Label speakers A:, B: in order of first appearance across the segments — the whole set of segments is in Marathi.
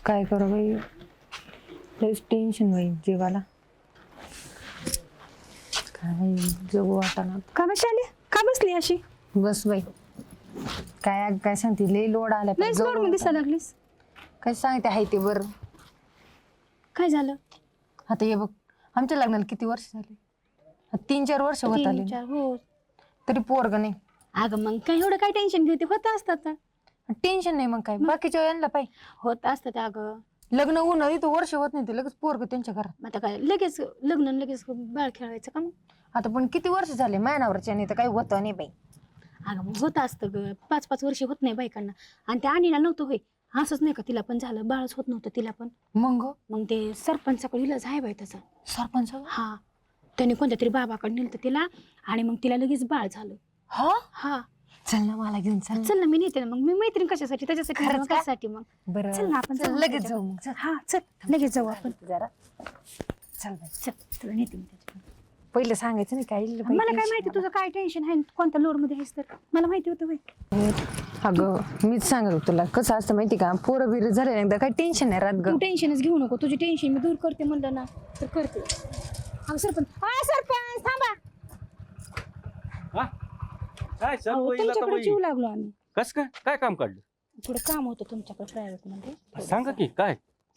A: काय करू बाई, लयच टेन्शन होईल जीवाला. काय जगू वाटाणा.
B: का बसली का बसली अशी?
A: बस बाई, काय काय सांगते, लय लोड आला.
B: लयच लोड मध्ये दिसायला लागलीस.
A: काय सांगते आहे ते बरं.
B: काय झालं?
A: आता हे बघ, आमच्या लग्नाला किती वर्ष झाले? 3-4 वर्ष होत आले.
B: 3-4 हो.
A: तरी पोरग नाही.
B: अगं मग काय एवढं काय टेन्शन घेते? होत असतात.
A: टेन्शन नाही मग काय, बाकीच्या यांना पाहिजे
B: होत असतात अगं.
A: लग्न होऊन इथं वर्ष होत नाही ते लगेच पोरग त्यांच्या घरात.
B: आता काय लगेच लग्न लगेच बाळ खेळवायचं का मग?
A: आता पण किती वर्ष झाले मायनावरच्या तर काही होतं नाही बाई.
B: अगं मग होत असतं ग, 5-5 वर्ष होत नाही बायकांना. आणि त्या आणीला नव्हतं होय, असंच नाही का तिला पण झालं, बाळच होत नव्हतं तिला पण.
A: मग
B: ते सरपंचाकडे इलाज आहे बाई त्याचा.
A: सरपंच?
B: हा, त्याने कोणत्या तरी बाबाकडे नेलं तिला आणि मग तिला लगेच बाळ झालं.
A: हा
B: हा,
A: चल ना मला घेऊन चल.
B: चल ना, मी नेते ना. मग मी मैत्रीण कशासाठी? त्याच्यासाठी.
A: खरंच का?
B: कशासाठी? मग
A: बरं
B: चल ना, आपण
A: लगेच जाऊ मग.
B: हा चल लगेच जाऊ आपण.
A: जरा चल बाई.
B: चल तुला नेते मी त्याच्याकडे.
A: पहिलं सांगायचं नाही काय.
B: मला काय माहिती तुझं काय टेन्शन आहे, कोणत्या लोड मध्ये आहेस तर? मला माहिती होतं बाई.
A: अगं मीच सांगत होतो तुला, कसं असतं माहिती का, पोरं बिरं झाले ना एकदा काही टेन्शन नाही राहत ग.
B: तू टेन्शनच घेऊ नको, तुझी टेन्शन मी दूर करते म्हणलं ना तर करते. अगं सरपंच थांबा.
C: काय
B: अहो, तुमच्याकडे जीव लागलो आम्ही.
C: कस काय काय काम काढलं?
B: थोडं काम होतं तुमच्याकडे प्रायव्हेट मध्ये.
C: सांगा की काय.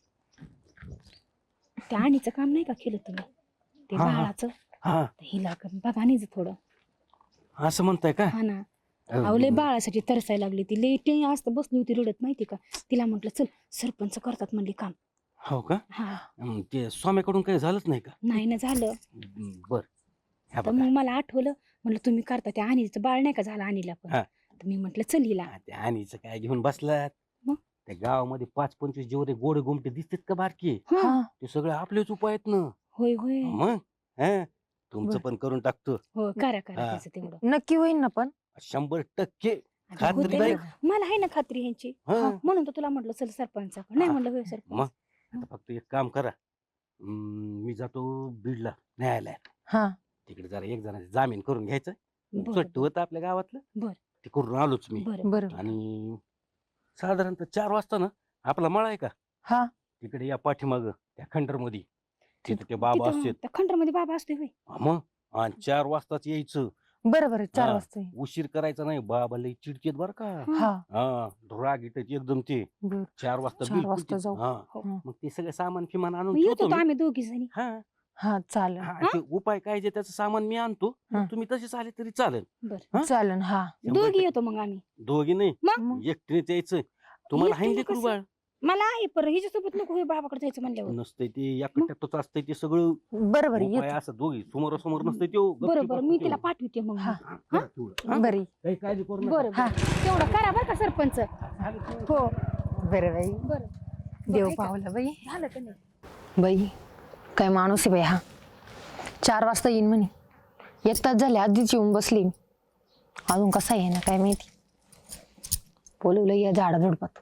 B: त्या आणीचं काम नाही का केलं तुम्ही, ते
C: हा, हा.
B: बाळाचं?
C: हा
B: हिला बघा आणीचं थोडं.
C: असं म्हणताय का?
B: हा ना. अहो लय बाळासाठी तरसायला लागली ती, लय असतं बसली होती रडत माहिती का. तिला म्हटलं चल सरपंच करतात म्हणली काम.
C: हो का?
B: हा,
C: ते स्वामीकडून काही झालंच नाही का?
B: नाही ना झालं.
C: बर ह्या
B: तर
C: बघा.
B: मग मला आठवलं, म्हणलं तुम्ही करता, त्या आणीचं बाळ नाही का झालं आणीला पण.
C: हा.
B: तर मी म्हटलं चल हिला.
C: त्या आणीचं काय घेऊन बसलात?
B: मग?
C: त्या गावामध्ये 5-25 जेवढे गोडे गोमटे दिसतात का बारकी,
B: हा.
C: ते सगळे आपलेच उपाय आहेत ना.
B: होय होय.
C: मग तुमचं
B: बर.
C: पण करून टाकतो.
B: हो करा करा
C: हा.
B: त्याचं तेवढं.
A: नक्की होईल ना पण?
C: 100%
B: आता
C: खात्री
B: होतंय
C: नाही.
B: ना. मला आहे ना खात्री ह्यांची.
C: हा.
B: हा, म्हणून तर तुला म्हटलं चल सरपंचाकडे. नाही
C: हा.
B: म्हणलं होय
C: मग
B: सरपंच.
C: आता फक्त एक काम करा, मी जातो बीडला न्यायालयात.
A: हा
C: तिकडे जरा एक जणांची जामीन करून घ्यायचं.
B: बरं,
C: चट्ट होतं आपल्या गावातलं.
B: बरं.
C: ते करून आलोच मी.
B: बरं.
A: बरं.
C: आणि साधारणतः 4 वाजता ना आपला मळा आहे का
A: हा
C: तिकडे या पाठीमाग त्या खंडर मध्ये, तिथे ते बाबा
B: तिथं
C: असतात.
B: त्या खंडरमध्ये बाबा असतोय होय.
C: मग आणि 4 वाजताच यायचं.
A: बरं बरं 4
C: हा.
A: वाजता येईल.
C: उशीर करायचा नाही, बाबा लई चिडकेत बर का.
A: हा
C: हा, राग येतात एकदम ते.
A: बर
C: 4 वाजता
A: 4
C: बिलकुल
A: वाजता
C: ते-
A: जाऊ.
C: हा.
B: हो.
C: मग ते सगळं सामान फिमान आणून
B: मग येतो
C: ठेवतो
B: तो
C: मी.
B: आम्ही दोघी जणी.
C: हा
A: हा चालेल
C: हा, ते उपाय काय जे त्याचं सामान मी आणतो.
A: हा.
C: तुम्ही तसेच आले तरी चालेल.
B: बरं
C: हा?
A: चालेल. हा
C: 100%
B: दोघी येतो मग आम्ही.
C: दोघी नाही,
B: मग
C: एकटीनेच यायचं. तुम्हाला
B: एकटीने
C: हाय लेकरू
B: कसं?
C: बाळ
B: मला आहे पर हिच्यासोबत नको होय बाबाकडे जायचं म्हणल्यावर.
C: नसतंय ते, या कट्ट्यातच असतंय ते सगळं.
A: बरं बरं
C: उपाय
A: येतो.
C: असं दोघी समोरासमोर नसतंय त्यो.
B: बरं बरं मी तिला पाठवते मग.
A: हा.
C: काही
A: बरी
C: काळजी करू नका.
B: बरं बरं तेवढं करा बरं का सरपंच. हो
A: बरं बाई,
B: बरं.
A: देव
B: ऐका.
A: पावला बाई.
B: झालं का नाही?
A: बाई काय माणूस आहे बाई हा. 4 वाजता येईन म्हणे, 1 तास झाले आधीच येऊन बसली. अजून कसा आहे ना काय माहिती. बोलवलं या झाडा झुडपात.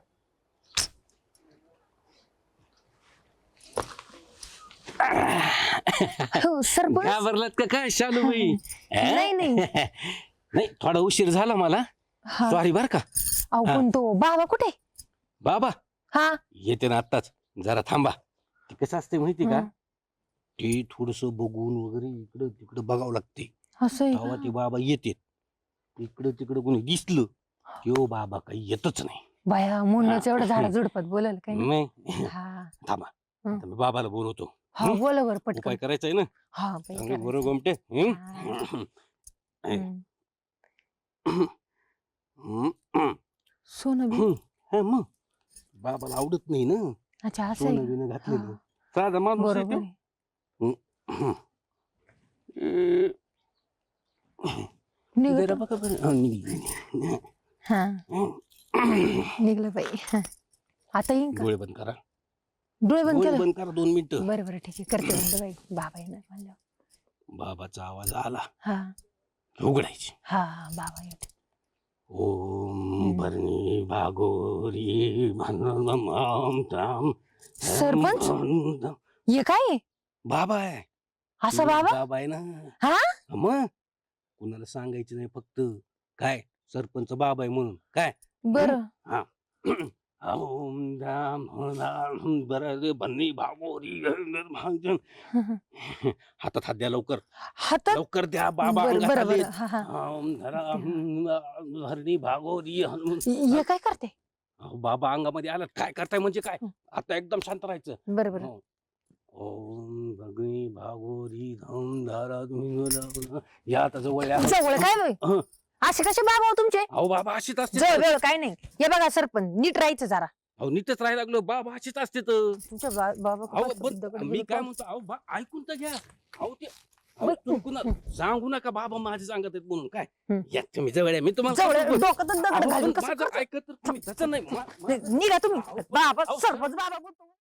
A: हो सरपंच.
C: घाबरलात का काय शालूबाई?
A: नाही नाही
C: नाही, थोडा उशीर झाला मला.
A: हा.
C: सॉरी बर का.
A: अहो पण तो बाबा कुठे?
C: बाबा
A: हा
C: येते ना आत्ताच, जरा थांबा. ते कसं असते माहिती का,
A: हा.
C: ते थोडस बघून वगैरे इकडं तिकडं बघावं लागते.
A: असं आहे
C: तेव्हा
A: का?
C: ते बाबा येते. इकडं तिकडं कोणी दिसलं तो बाबा काही येतच नाही.
A: बाया म्हणूनच एवढं झाडा झुडपात बोलायला काही नाही.
C: नाही
A: हा
C: थांबा,
A: हं.
C: आता मी बाबाला बोलवतो.
A: हा बोला बरं
C: उपाय
A: पटकन.
C: करायचा आहे ना.
A: हा बाई
C: चांगले
A: करायचं.
C: बरोबर गोमटे.
A: हा. हम्म. सोनं बी.
C: मग बाबाला आवडत नाही ना
A: अच्छा असं आहे
C: सोनं
A: का?
C: बिनं घातलेलं.
A: हा.
C: साधा माणूस आहे
A: बरोबर
C: तो.
A: आहे.
C: जरा
A: निघतो.
C: बघा बरं. हा, निघली.
A: हा निघलं बाई. हा. आता येईन का?
C: डोळे बंद करा.
A: डोळे बंद
C: डोळे
A: केलं.
C: बंद करा 2 मिनिटं.
A: बरं बरं ठीक आहे करते बंद बाई. बाबा येणार म्हणल्यावर.
C: बाबाचा आवाज आला
A: हा
C: उघडायची.
A: हा बाबा येते.
C: ओम भरणी भागोरी भनमाम ताम.
A: सरपंच? ये काय आहे?
C: बाबा आहे.
A: असा बाबा?
C: बाबा आहे ना.
A: हा
C: मग कुणाला सांगायचं नाही, फक्त काय सरपंच बाबा आहे म्हणून काय.
A: बरं
C: हा ओम धाम धाम बरं बन्नी भागोरी हातात हात द्या लवकर
A: हातात
C: लवकर द्या बाबा
A: बरं
C: अंगात
A: बरं
C: आलेत.
A: बरं. हा हा
C: ओम धरा हरणी भागोरी हनुमान.
A: हे काय करते
C: अहो, बाबा अंगामध्ये आला काय करताय म्हणजे काय आता एकदम शांत राहायचं.
A: बरं बरं
C: हो. ओम भगनी भागोरी धम धारा तुम्ही या आता जवळ या.
A: जवळ काय बाई?
C: हं.
A: असे कसे बाबा हो तुमचे
C: अहो बाबा अशीच असते
A: जवळ वेळ काय नाही हे बघा सरपंच नीट राहायचं जरा
C: अहो नीटच राहायला लागलो बाबा अशीच असते तर.
A: तुमच्या बाबा
C: अहो
A: खूप
C: पण
A: दगड
C: मी
A: बिगड
C: काय
A: पाहून-
C: म्हणतो अहो ऐकून तर घ्या. अहो ते अहो, चुकून सांगू नका बाबा माझे सांगत आहेत म्हणून काय
A: हं.
C: या तुम्ही जवळ या मी तुम्हाला
A: जवळ
C: सांगतो.
A: डोक्यात दगड
C: अहो,
A: घालून
C: पण
A: कसं
C: माझं ऐकत तर तुम्ही तसं नाही
A: निघा तुम्ही
C: अहो,
A: बाबा
C: अहो,
A: सरपंच बाबा बोलतो.